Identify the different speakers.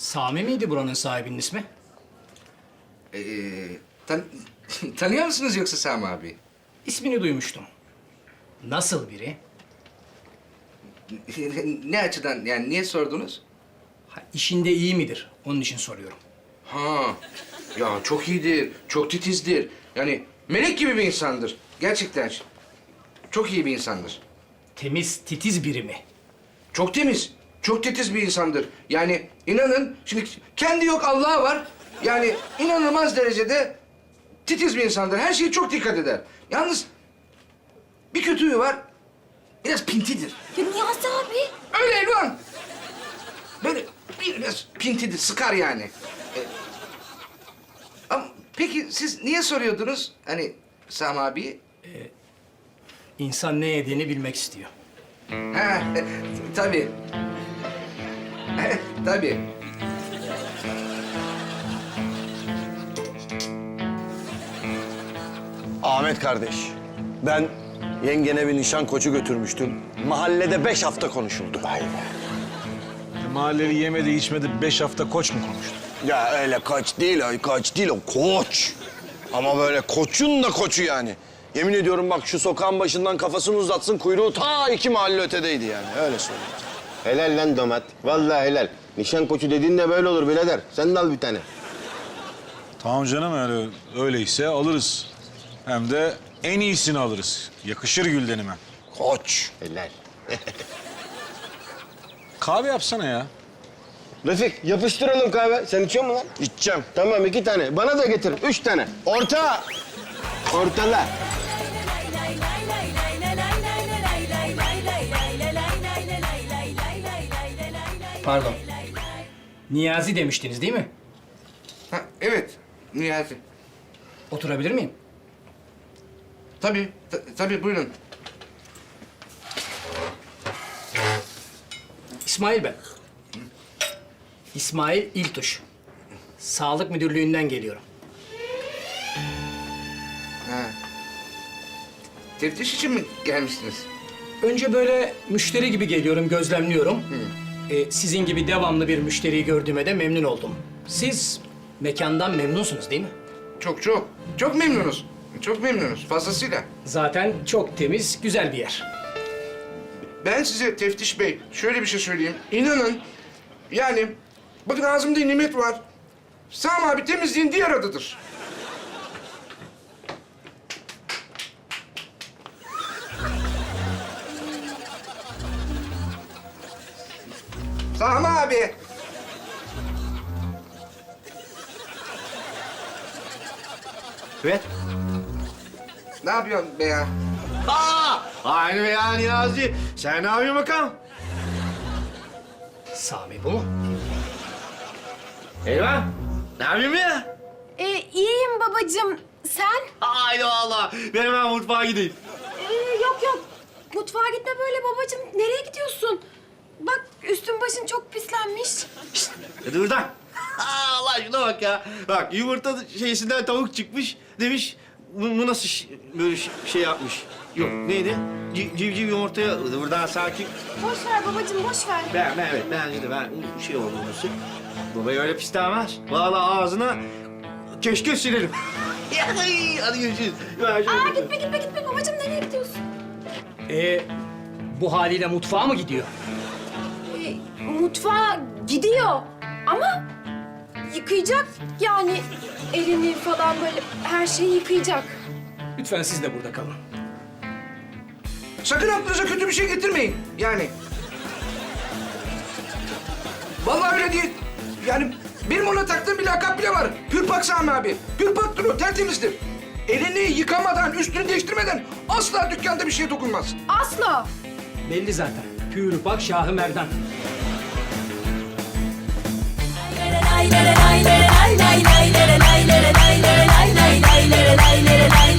Speaker 1: Sami miydi buranın sahibinin ismi?
Speaker 2: Ee, tan tanıyor musunuz yoksa Sami abi?
Speaker 1: İsmini duymuştum. Nasıl biri?
Speaker 2: Ne açıdan yani niye sordunuz?
Speaker 1: Ha, işinde iyi midir? Onun için soruyorum.
Speaker 2: Ha, ya çok iyidir, çok titizdir. Yani melek gibi bir insandır. Gerçekten çok iyi bir insandır.
Speaker 1: Temiz, titiz biri mi?
Speaker 2: Çok temiz, çok titiz bir insandır. Yani inanın, şimdi kendi yok Allah'a var. Yani inanılmaz derecede titiz bir insandır. Her şeye çok dikkat eder. Yalnız bir kötüyü var, biraz pintidir.
Speaker 3: Ya Niyazi abi.
Speaker 2: Öyle Elvan. Böyle biraz pintidir, sıkar yani. Ama peki siz niye soruyordunuz hani Sami abiyi?
Speaker 1: İnsan ne yediğini bilmek istiyor.
Speaker 2: Ha, tabii. Tabii.
Speaker 4: Ahmet kardeş, ben yengene bir nişan koçu götürmüştüm. Mahallede 5 hafta konuşuldu. Vay be.
Speaker 5: Mahalleli yemedi içmedi 5 hafta koç mu konuştu?
Speaker 4: Ya öyle koç değil o, koç değil o, koç. Ama böyle koçun da koçu yani. Yemin ediyorum bak şu sokağın başından kafasını uzatsın, kuyruğu ta 2 mahalle ötedeydi yani, öyle söyleyeyim.
Speaker 6: Helal lan domat. Vallahi helal. Nişan koçu dediğin de böyle olur birader. Sen de al bir tane.
Speaker 5: Tamam canım yani öyleyse alırız. Hem de en iyisini alırız. Yakışır Gülden'ime.
Speaker 4: Koç.
Speaker 6: Helal.
Speaker 5: Kahve yapsana ya.
Speaker 6: Refik yapıştıralım kahve. Sen içiyor musun lan?
Speaker 4: İçeceğim.
Speaker 6: Tamam 2 tane. Bana da getir 3 tane. Orta. Ortala.
Speaker 1: Pardon. Niyazi demiştiniz değil mi?
Speaker 2: Ha, evet, Niyazi.
Speaker 1: Oturabilir miyim?
Speaker 2: Tabii, tabii buyurun.
Speaker 1: İsmail ben. İsmail İltuş. Sağlık Müdürlüğü'nden geliyorum.
Speaker 2: Ha. Teftiş için mi gelmiştiniz?
Speaker 1: Önce böyle müşteri gibi geliyorum, gözlemliyorum. Sizin gibi devamlı bir müşteriyi gördüğüme de memnun oldum. Siz mekandan memnunsunuz değil mi?
Speaker 2: Çok çok. Çok memnunuz. Çok memnunuz. Fazlasıyla.
Speaker 1: Zaten çok temiz, güzel bir yer.
Speaker 2: Ben size Teftiş Bey şöyle bir şey söyleyeyim. İnanın yani bakın ağzımda nimet var. Sami abi temizliğin diğer adıdır. Sami abi.
Speaker 7: Evet.
Speaker 2: Ne yapıyorsun be ya?
Speaker 7: Aynı be ya Niyazi. Sen ne yapıyorsun bakalım?
Speaker 1: Sami bu mu?
Speaker 7: Eyvah. Ne yapıyorsun ya?
Speaker 3: İyiyim babacığım. Sen?
Speaker 7: Haydi valla. Ben hemen mutfağa gideyim.
Speaker 3: Yok yok. Mutfağa gitme böyle babacığım. Nereye gidiyorsun? Bak üstün başın çok pislenmiş.
Speaker 7: Hadi buradan. Allah şuna bak ya. Bak yumurta şeysinden tavuk çıkmış. Demiş bu nasıl böyle şey yapmış. Yok neydi? Civciv yumurtaya Hadi buradan sakin.
Speaker 3: Boş ver babacığım boş ver.
Speaker 7: Evet bence de ben şey oldu nasıl? Babayı öyle pislemez. Vallahi ağzına keşke silerim. Hadi görüşürüz.
Speaker 3: Gitme babacığım nereye gidiyorsun?
Speaker 1: Bu haliyle mutfağa mı gidiyor?
Speaker 3: Mutfağa gidiyor ama yıkayacak yani elini falan böyle her şeyi yıkayacak.
Speaker 1: Lütfen siz de burada kalın.
Speaker 2: Sakın aklınıza kötü bir şey getirmeyin. Yani. Vallahi öyle değil. Yani benim ona taktığım bir lakap bile var. Pürpak Sami abi. Pürpaktır o, tertemizdir. Elini yıkamadan, üstünü değiştirmeden asla dükkanda bir şeye dokunmaz.
Speaker 3: Asla.
Speaker 1: Belli zaten. Pür bak Şahı Merdan.
Speaker 8: lay lay lay lay lay lay lay lay lay lay lay lay lay lay lay lay lay